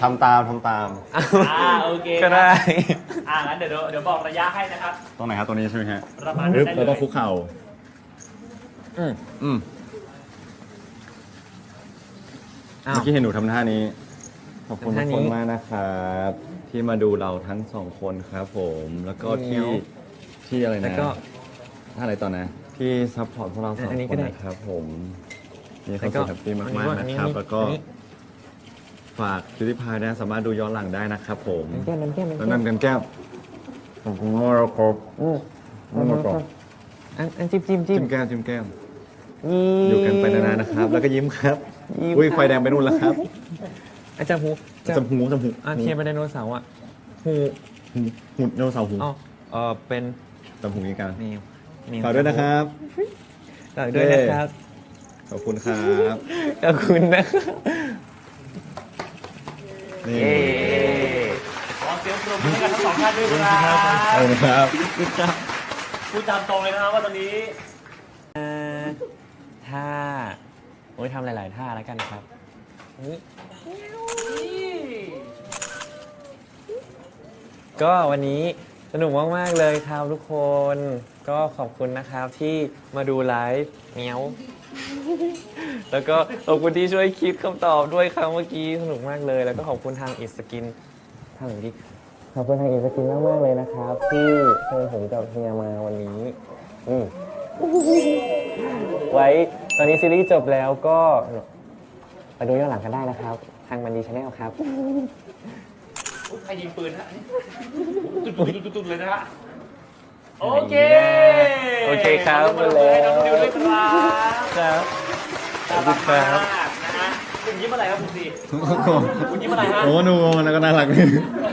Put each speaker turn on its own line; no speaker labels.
ำตาม
โอเค
ก็ได้
งั้นเดี๋ยวบอกระยะให้นะครับ
ตรงไหนครับตรงนี้ใช่ไหมฮะ
ประมาณนั้นได้เลย
เราต้องคุกเข่าเมื่อกี้เห็นหนูทำท่านี้ขอบคุณทุกคนมากนะครับที่มาดูเราทั้งสองคนครับผมแล้วก็ที่อะไรนะท่าอะไรต่อนะที่ซัพพอร์ตพวกเราสองคนนะครับผมมีความสุขแฮปปี้มากๆนะครับแล้วก็ฝากคิวที่พายนะสามารถดูย้อนหลังได้นะครับผมแล้วนั่นกันแก้วขอบคุณมากครับ
อันจิ้ม
แก้มอยู่กันไปนานๆนะครับ แล้วก็ยิ้มครับอุ้ยไฟแดงไปนู่นแล้วครับ
จำหู
เ
ทียนไปไดโนเสาร์อ่ะ
หูไดโนเสาร์หู
เป็น
จำหูนี้กัน
นี่
ฝากด้วยนะครับ
ฝากด้วยนะครับ
ขอบคุณครับ
ขอบคุณนะครับ
นี่
ขอเสียงปรบมือให้กับทั้งสองท่านด้วยครับ
ขอบคุณครับ
พูดตามตรงเลยนะครับว่าตอนนี้
ท่าทำหลายๆท่าแล้วกันครับก็วันนี้สนุกมากๆเลยครับทุกคนก็ขอบคุณนะครับที่มาดูไลฟ์เมียวแล้วก็ขอบคุณที่ช่วยคิดคำตอบด้วยครับเมื่อกี้สนุกมากเลยแล้วก็ขอบคุณทางอิสกินทางนี้ขอบคุณทางอิสกินมากๆเลยนะครับที่เชิญผมกับเฮียมาวันนี้ไว้ตอนนี้ซีรีส์จบแล้วก็ไปดูย้อนหลังกันได้นะครับทางมันดีชาแนลครับ
ใครยิงปืนฮะตุดเลยนะฮะโอเค
ครับ
ขอบคุณให้น้องดิวด้วยครับ
ครับ
ขอบคุณครับนะฮะคุณยิ้มอะไรครับคุณซีคุณยิ้มอะไรฮะ
โอ้หนูแล้วก็น่ารัก